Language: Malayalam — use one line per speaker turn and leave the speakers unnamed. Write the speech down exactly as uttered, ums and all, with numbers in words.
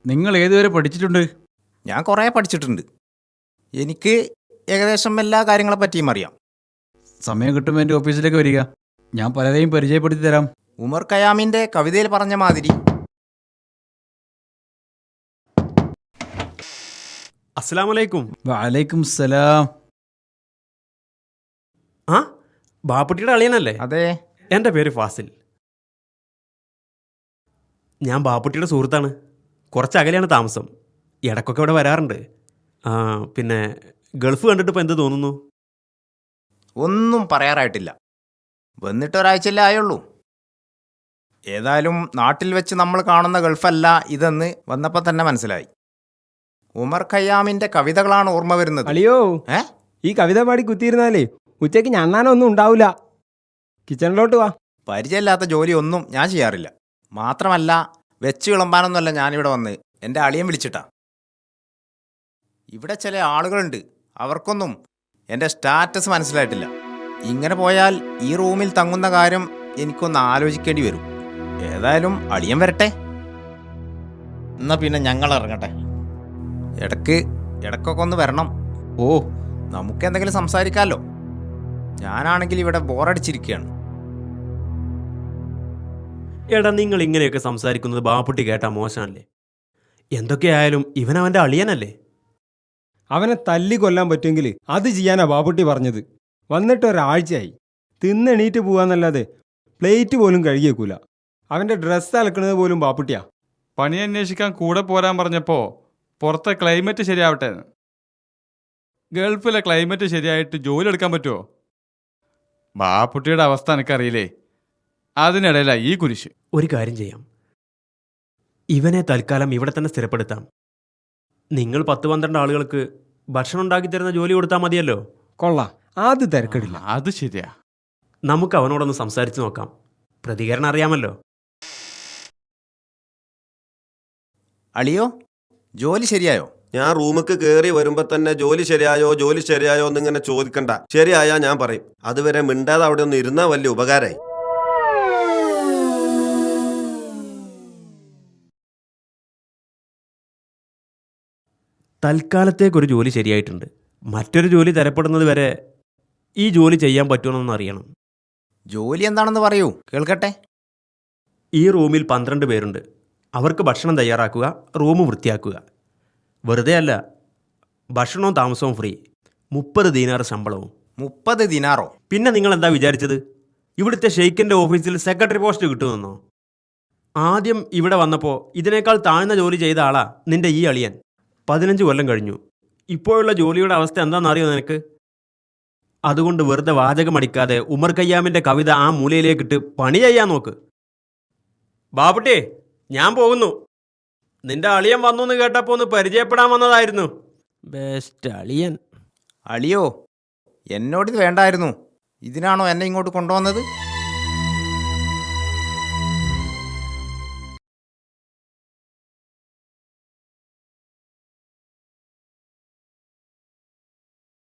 നിങ്ങൾ ഏതുവരെ പഠിച്ചിട്ടുണ്ട്?
ഞാൻ കുറേ പഠിച്ചിട്ടുണ്ട്. എനിക്ക് ഏകദേശം എല്ലാ കാര്യങ്ങളെ പറ്റിയും അറിയാം.
സമയം കിട്ടുമ്പോൾ എൻ്റെ ഓഫീസിലേക്ക് വരിക, ഞാൻ പലരെയും പരിചയപ്പെടുത്തി തരാം.
ഉമർ ഖയാമിൻ്റെ കവിതയിൽ പറഞ്ഞ മാതിരി.
അസ്സലാമലൈക്കും.
വഅലൈക്കും സലാം.
ആ ബാപ്പുട്ടിയുടെ അളിയനല്ലേ?
അതെ.
എൻ്റെ പേര് ഫാസിൽ. ഞാൻ ബാപ്പുട്ടിയുടെ സുഹൃത്താണ്. കുറച്ച് അകലെയാണ് താമസം. ഇടയ്ക്കൊക്കെ ഇവിടെ വരാറുണ്ട്. ആ പിന്നെ ഗൾഫ് കണ്ടിട്ട് ഇപ്പോൾ എന്ത് തോന്നുന്നു?
ഒന്നും പറയാറായിട്ടില്ല. വന്നിട്ട് ഒരാഴ്ചയല്ലേ ആയുള്ളൂ. ഏതായാലും നാട്ടിൽ വെച്ച് നമ്മൾ കാണുന്ന ഗൾഫല്ല ഇതെന്ന് വന്നപ്പോൾ തന്നെ മനസ്സിലായി. ഉമർ ഖയ്യാമിൻ്റെ കവിതകളാണ് ഓർമ്മ വരുന്നത്.
അളിയോ,
ഏ
ഈ കവിത പാടി കുത്തിയിരുന്നാലേ ഉച്ചയ്ക്ക് ഞണ്ണാനൊന്നും ഉണ്ടാവില്ല. കിച്ചണിലോട്ട് വാ.
പരിചയമില്ലാത്ത ജോലിയൊന്നും ഞാൻ ചെയ്യാറില്ല. മാത്രമല്ല വെച്ച് വിളമ്പാനൊന്നുമല്ല ഞാനിവിടെ വന്ന്, എൻ്റെ അളിയൻ വിളിച്ചിട്ടാ. ഇവിടെ ചില ആളുകളുണ്ട്, അവർക്കൊന്നും എൻ്റെ സ്റ്റാറ്റസ് മനസ്സിലായിട്ടില്ല. ഇങ്ങനെ പോയാൽ ഈ റൂമിൽ തങ്ങുന്ന കാര്യം എനിക്കൊന്ന് ആലോചിക്കേണ്ടി വരും. ഏതായാലും അളിയൻ വരട്ടെ.
എന്നാ പിന്നെ ഞങ്ങൾ ഇറങ്ങട്ടെ.
ഇടയ്ക്ക് ഇടയ്ക്കൊക്കെ ഒന്ന് വരണം. ഓ, നമുക്കെന്തെങ്കിലും സംസാരിക്കാമല്ലോ. ഞാനാണെങ്കിൽ ഇവിടെ ബോറടിച്ചിരിക്കുകയാണ്.
എടാ, നിങ്ങൾ ഇങ്ങനെയൊക്കെ സംസാരിക്കുന്നത് ബാപ്പുട്ടി കേട്ടാ മോശമല്ലേ? എന്തൊക്കെയായാലും ഇവൻ അവൻ്റെ അളിയനല്ലേ?
അവനെ തല്ലി കൊല്ലാൻ പറ്റുമെങ്കിൽ അത് ചെയ്യാനാ ബാബുട്ടി പറഞ്ഞത്. വന്നിട്ട് ഒരാഴ്ചയായി. തിന്നെണീറ്റ് പോവാന്നല്ലാതെ പ്ലേറ്റ് പോലും കഴുകിയേക്കൂല. അവൻ്റെ ഡ്രസ്സ് അലക്കണത് പോലും ബാപ്പുട്ടിയാ.
പണി അന്വേഷിക്കാൻ കൂടെ പോരാൻ പറഞ്ഞപ്പോൾ പുറത്തെ ക്ലൈമറ്റ് ശരിയാവട്ടെ. ഗൾഫിലെ ക്ലൈമറ്റ് ശരിയായിട്ട് ജോലി എടുക്കാൻ പറ്റുമോ? ബാപ്പുട്ടിയുടെ അവസ്ഥ എനിക്കറിയില്ലേ, അതിനിടയിലാണ് ഈ കുരിശ്.
ഒരു കാര്യം ചെയ്യാം, ഇവനെ തൽക്കാലം ഇവിടെ തന്നെ സ്ഥിരപ്പെടുത്താം. നിങ്ങൾ പത്ത് പന്ത്രണ്ട് ആളുകൾക്ക് ഭക്ഷണം ഉണ്ടാക്കി തരുന്ന ജോലി കൊടുത്താൽ മതിയല്ലോ.
കൊള്ളാം, അത് തിരക്കടില്ല.
അത് ശരിയാ.
നമുക്ക് അവനോടൊന്ന് സംസാരിച്ച് നോക്കാം. പ്രതികരണം അറിയാമല്ലോ.
അളിയോ, ജോലി ശരിയായോ?
ഞാൻ റൂമിക്ക് കയറി വരുമ്പോ തന്നെ ജോലി ശരിയായോ ജോലി ശരിയായോ എന്നിങ്ങനെ ചോദിക്കണ്ട. ശരിയായാ ഞാൻ പറയും. അതുവരെ മിണ്ടാതെ അവിടെ ഒന്ന് ഇരുന്നാ വലിയ ഉപകാരമായി.
തൽക്കാലത്തേക്കൊരു ജോലി ശരിയായിട്ടുണ്ട്. മറ്റൊരു ജോലി തരപ്പെടുന്നത് വരെ ഈ ജോലി ചെയ്യാൻ പറ്റുമെന്നൊന്ന് അറിയണം.
ജോലി എന്താണെന്ന് പറയൂ, കേൾക്കട്ടെ.
ഈ റൂമിൽ പന്ത്രണ്ട് പേരുണ്ട്. അവർക്ക് ഭക്ഷണം തയ്യാറാക്കുക, റൂം വൃത്തിയാക്കുക. വെറുതെ അല്ല, ഭക്ഷണവും താമസവും ഫ്രീ. മുപ്പത് ദീനാർ ശമ്പളവും.
മുപ്പത് ദിനാറോ?
പിന്നെ നിങ്ങൾ എന്താ വിചാരിച്ചത് ഇവിടുത്തെ ഷെയ്ഖിൻ്റെ ഓഫീസിൽ സെക്രട്ടറി പോസ്റ്റ് കിട്ടുമെന്നോ? ആദ്യം ഇവിടെ വന്നപ്പോൾ ഇതിനേക്കാൾ താഴ്ന്ന ജോലി ചെയ്ത ആളാ നിന്റെ ഈ അളിയൻ. പതിനഞ്ച് കൊല്ലം കഴിഞ്ഞു. ഇപ്പോഴുള്ള ജോലിയുടെ അവസ്ഥ എന്താണെന്നറിയോ നിനക്ക്? അതുകൊണ്ട് വെറുതെ വാചകമടിക്കാതെ ഉമർ ഖയ്യാമിൻ്റെ കവിത ആ മൂലയിലേക്കിട്ട് പണി ചെയ്യാൻ നോക്ക്. ബാബുട്ടി, ഞാൻ പോകുന്നു. നിന്റെ അളിയൻ വന്നു എന്ന് കേട്ടപ്പോൾ ഒന്ന് പരിചയപ്പെടാൻ വന്നതായിരുന്നു. ബെസ്റ്റ് അളിയൻ.
അളിയോ, എന്നോടിത് വേണ്ടായിരുന്നു. ഇതിനാണോ എന്നെ ഇങ്ങോട്ട് കൊണ്ടുവന്നത്?